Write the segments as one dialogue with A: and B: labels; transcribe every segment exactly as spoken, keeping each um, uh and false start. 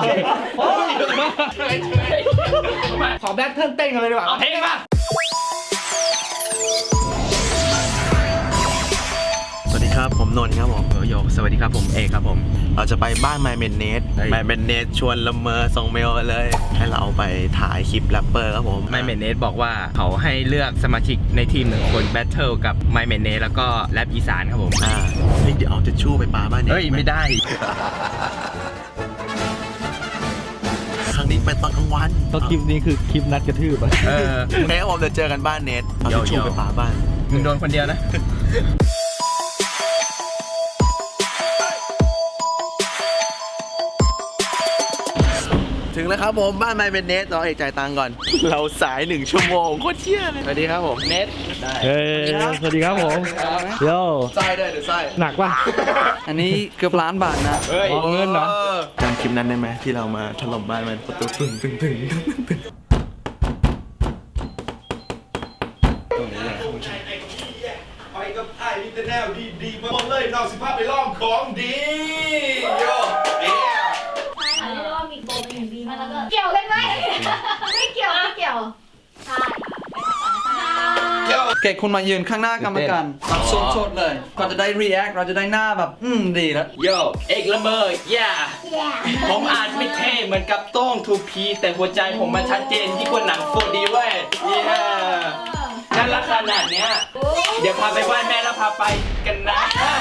A: ขอแบทเทิลเต้นกันเลยดีกว่าเอาเพลงมา
B: สวัสดีครับผมนนท์ครับผมโยสวัสดีครับผมเอกครับผมเราจะไปบ้านไมเมนเนสไมเมนเนสชวนละเมอส่งเมลเลยให้เราไปถ่ายคลิปแรปเปอร์ครับผม
C: ไมเมนเนสบอกว่าเขาให้เลือกสมาชิกในทีมหนึ่งคนแบทเทิลกับไมเมนเนสแล้วก็แรปอีสานครับผม
B: อ่าเดี๋ยวเอาทิชชู่ไปปาบ้านเนส
C: เฮ้ยไม่ได้
B: ครั้งนี้เป็นตอนกลางวัน
A: ก็คลิปนี้คือคลิปนัดกระทืบอ่ะ
C: เออ
B: แม้ผมจะเจอกันบ้านเนสเอาทิชชู่ไปปาบ้าน
C: มึงโดนคนเดียวนะ
B: ถึงแล้วครับผมบ้านไมเมนเนสเราเอกจ่ายตังค์ก่อนเราสายหนึ่งชั่วโมงโคตรเชี่ยเลย
C: สวัสดีครับผมเนส
A: ได้เฮ้ยสวัสดีครับผมโย่
B: ไส้ได้หรือไส้
A: หนักป่ะ
D: อันนี้เกือบล้านบาทนะ
C: เฮ้ย
A: เงินเหรอ
B: จำคลิปนั้นได้ไหมที่เรามาถล่มบ้านมันประตูตึงตึงตึงตึงตรงนี้เลย
E: ไปกับไอ้ลิเตอร์แนลดีดีมาหมดเลยนอกสิภาพไปล่องของดีโย่เอ๊ะ
F: อันนี้เรียกว่ามีโกเป็นอย่างดีมากแล้วก็เกี่ยวกันไหมไม่เกี่ยวไม่เกี่ยวใช่
D: เกดคุณมายืนข้างหน้ากรรมการแบบสดๆเลยเราจะได้ react เราจะได้หน้าแบบอืมดีแล้ว
C: โยเอกละเมอย่าผมอาจไม่เท่เหมือนกับโต้งทูพีแต่หัวใจผมมันชัดเจนยิ่งกว่าหนังโฟดีเว้ยย่าน่ารักขนาดเนี้ยเดี๋ยวพาไปไหว้แม่แล้วพาไปกันนะ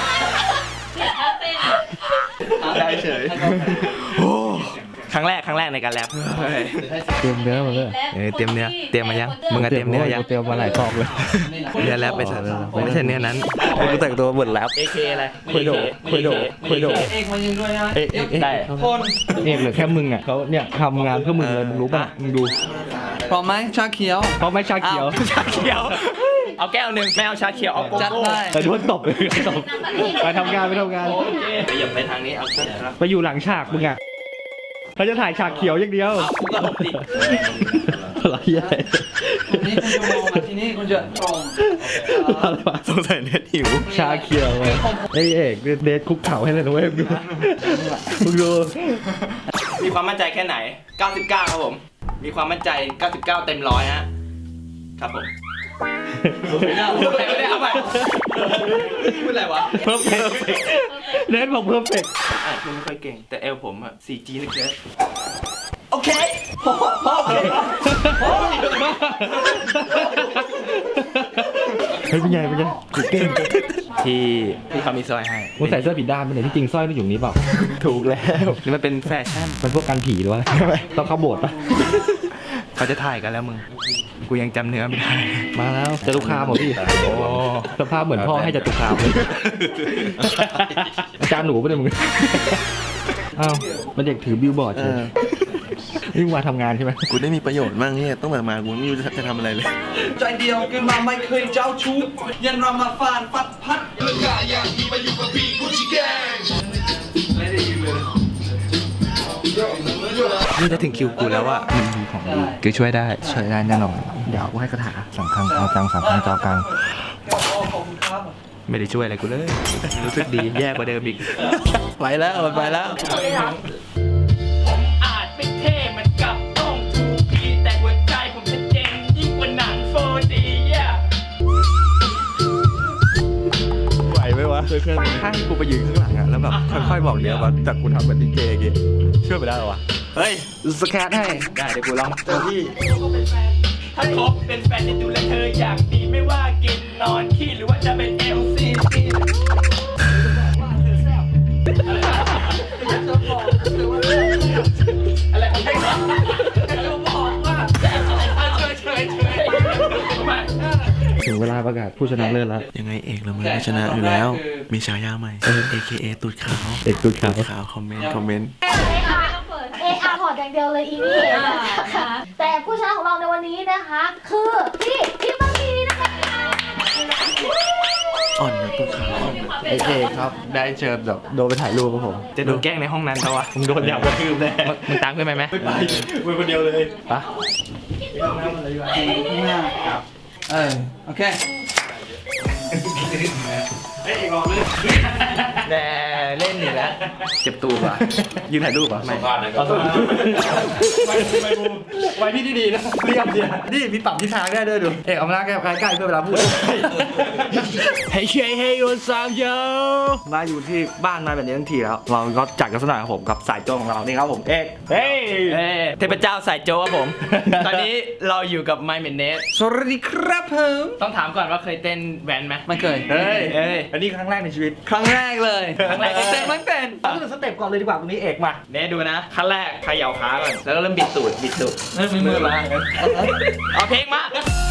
B: ได้เฉย
C: ครั้งแรกครั้งแรกในการแรป
A: เตรียมเนื้อมาเลย
C: เออเตรียมเนื้อเตรียมมายังมึงอะเตรียมเนื้อยัง
A: เตรียมมาหลายซองเลย
C: เนื้อแรปไปใส่ไม่ใช่เนื้อนั้น
B: กูแต่งตัวเหมือนแรป
C: เอ เค อะไร
A: คุยโดคุยโดคุยโด
D: เอกมายืนด้วยนะ
A: เอกเอกได้
D: คน
A: เอกเหลือแค่มึงอ่ะเขาเนี่ยทำงานเพื่อมึงเลยมึงรู้ป่ะมึงดู
D: พร้อมไหมชาเขียว
A: เพราะไม่ชาเขียว
C: ชาเขียวเอาแก้วหนึ่งไม่เอาชาเขียวเอาโกโก้
D: จัดได้
A: แต่โดนตบเลยตบไปทำงานไปทำงาน
C: โอเคไปหยิบไปทางนี้เอา
A: ไปอยู่หลังฉากมึงอ่ะเขาจะถ่ายฉากเขียวอย่างเดียว
C: กูก็หลบดิ
A: อะไรใหญ่
D: นี่คุณจะมองมาที่นี่คุณจะตรง
B: สงสัยเน็ตหิว
A: ชาเขียวเลยไอเอกเดทคุกเข่าให้เลยนะเว้ยดูมึงดู
C: มีความมั่นใจแค่ไหนเก้าสิบเก้าครับผมมีความมั่นใจเก้าสิบเก้าเต็มร้อยฮะครับผมไม่ได้ไม่ได้เอาไปพูดอะไรวะ
A: เพิ่มเฟกเน้นบอกเพิ่มเฟก
C: อ่านไม่ค่อยเก่งแต่เอลผมอะ โฟร์จี นึกเยอะ
D: โอเคพอพอโอเค
A: เฮ้ยเป็นไงเป็นไงเก่ง
C: ที่ที่เขามีสร้อยให้
A: มึงใส่เสื้อผิดด้านไปไหนที่จริงสร้อยมันอยู่นี้เปล่า
C: ถูกแล้วนี่มันเป็นแฟชั่น
A: มันพวกการผีหรือวะต้องเข้าโบสถ์ปะ
C: เขาจะถ่ายกันแล้วมึงกูยังจำเนื้อไม่ได้
A: มาแล้วจตุคามเหรอพี่โอ้สภาพเหมือนพ่อให้จตุคามเลยอาจารย์หนูไม่ได้มึงอ้าวมันเด็กถือบิลบอร์ดใช่ไหมนี่มาทำงานใช่ไหม
B: กูได้มีประโยชน์มากเนี่ยต้องแบบมากูไม่รู้จะทำอะไรเลย
D: ใจเดียวกันมาไม่เคยเจ้าชู้ยันเรามาฟานฟัดพัด
E: เรื่องกาอย่างที่มาอยู่กับพี่กูชิแกงไม่ได้ยินเลย
C: นี่จะถึงคิวกูแล้วว่ามันมีของดีกูช่วยได้
A: ช่วยได้แน่นอนเดี๋ยวกูให้คาถาสังฆังเอาจังสังฆังจอกัง
C: ไม่ได้ช่วยอะไรกูเลยรู้สึกดีแย่กว่าเดิมอีก
D: ไปแล้วไปแล้ว
C: ผมอาจไม่เท่เหมือนกับต้องทูพีแต่หัวใจผมชัดเจนยิ่งกว่าหนังโฟร์ดีอ่ะ
A: ไหวไหมวะเพื่อนๆถ้ากูไปยืนข้างหลังอะแล้วแบบค่อยๆบอกเดี๋ยวว่าจากกูทำเป็นดีเจกี้เชื่อไปได้หรอวะ
C: เฮ้ย
A: สแคทให้
C: ได้เดี๋ยวกูลองเจ้าพี่ถ้าคบเป็นแฟนจะดูแลเธออย่างดีไม่ว่ากินนอนขี้หรือว่าจะเป็นเอลซีอะไรของใครครับจะบอกว่าเฉยเฉยเฉย
A: ถึงเวลาประกาศผู้ชนะเลิศแล้ว
B: ยังไงเอกเราเมื่อชนะอยู่แล้วมีฉายาใหม่ เอ เค เอ ตูดขาว
A: เอกตูดขาว
B: ขาวคอมเมนต์คอมเมนต์
F: เออาร์พอร์ตอย่างเดียวเลยอีนี่แต่ผู้ชนะของเราในวันนี้นะคะคือพี่พี่บะหมี่นะคะ
B: อ่อนนะตูดขาวอ่อน
A: เอกครับได้เชิญแบบโดนไปถ่ายรูปกับผม
C: จะโดนแกล้งในห้องนั้นเขาวะ
A: มึงโดนหยาบกระทืบแน่
C: มึงตามขึ้นไปไหม
A: ไม่ไปมึงคนเดียวเลยปะ
D: ข้างหน้าเออโอเค
C: เอ้ยลองเลยแน่เล่นอีกแล้วเจ็บตัวป่ะ
A: ยืนถ่ายรูปอ่ะไม่
E: บ้านนะครับ
C: ไว้ไว้บูไว้ที่ดีๆนะเรียบเดียว
A: นี่มีปรับทิศทางได้ด้วยดูเอกเอามาหน้าใกล้ใกล้ๆเพื่อเวลาพูด
C: เฮ้ยเฮ้ยเฮ้ยวันสามโย
A: มาอยู่ที่บ้านมาแบบนี้ทั้งทีแล้วเราก็จัดกันสักหน่อยครับผมกับสายโจงของเรานี่ครับผมเอก
C: เฮ้ยเทพเจ้าสายโจครับผม ตอนนี้เราอยู่กับไมเมนเนส
A: สวัสดีครับผม
C: ต้องถามก่อนว่าเคยเต้นแวนไหม
D: ไม่เคย
A: เฮ้ย
C: เฮ้ย
A: อันนี้ครั้งแรกในชีวิต
D: ครั้งแรกเลย
C: ครั้งแรก
D: เต้นมันเป็น
A: ต้องดูสเต็ปก่อนเลยดีกว่าตรงนี้เอกมา
C: เนสดูนะขั้นแรกเขย่าขาก่อนแล้วก็เริ่มบิดตูดบิดตูด
D: มือมา
C: เอาเพลงมา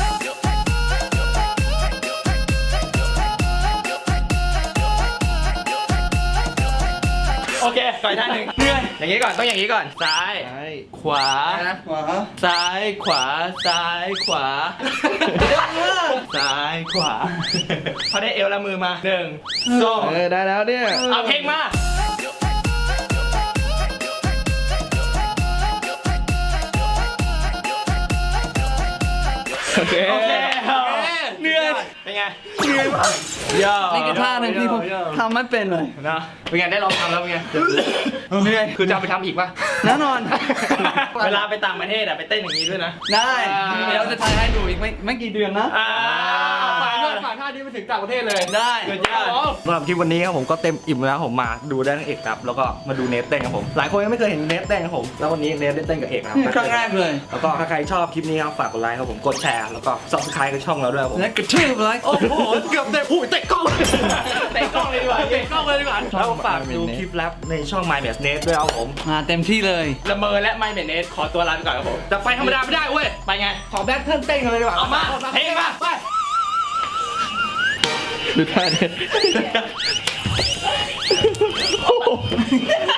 C: โอเคก่อนท่าหนึ่งเหนื่อยอย่างนี้ก่อนต้องอย่างนี้ก่อนซ้ายขวา
D: ขวา
C: ซ้ายขวาซ้ายขวาซ้ายขวาพอได้เอวแล้วมือมาหนึ่งสอง
A: เออได้แล้วเนี่ย
C: เอาเพลงมา
A: โอเค
C: โอเคเหนื่อยเป็นไงเหนื่อยมากย่อ
D: นี่คือท่าหนึ่งที่ผมทำไม่เป็นเลย
C: นะเป็นไงได้ลองทำแล้วเป็นไงเหนื่อยคือจะเอาไปทำอีกป่ะ
D: แน่นอน
C: เวลาไปต่างประเทศอะไปเต้นอย่างนี้ด้วยนะ
D: ได้
C: อ่า
D: เดี๋ยวจะทายให้ดูอีกไม่ไม่กี่เดือนนะ
C: อ่าฝากด้วยฝากท่านี้ไปถึงต่างประเทศเลย
D: ได้
C: สุดยอด
A: สำหรับคลิปวันนี้ครับผมก็เต็มอิ่มแล้วผมมาดูได้ทั้งเอกครับแล้วก็มาดูเนทเต้นครับผมหลายคนยังไม่เคยเห็นเนทเต้นครับผมแล้ววันนี้เนทได้เต้นกับเอกนะครับ
D: ครั้งแรกเลย
A: แล้วก็ถ้าใครชอบคลิปนี้ครับฝากกดไลค์ครับผมกดแชร์แล้วก็ subscribe กับช่องเราด้วยครับผม
D: และกระทืบเลย
A: โอ้โหเกือบเตะผู้เตะกล้อง
C: เตะกล้องเลยดีกว่าเตะกล้องเลยดีกว่า
A: แล้วฝากดูคลิปแรปในช่อง My m a s Net ด้วยครับผม
D: มาเต็มที่เลย
C: ละเมอและไม่เมนเนสขอตัวลาไปก่อนครับผมแต่ไปธรรมดาไม่ได้เว้ยไปไง
A: ขอแบทเทิลเต้นกันเลยดีกว่า
C: เอามาเพลงมาไป
A: ดูท่าเนท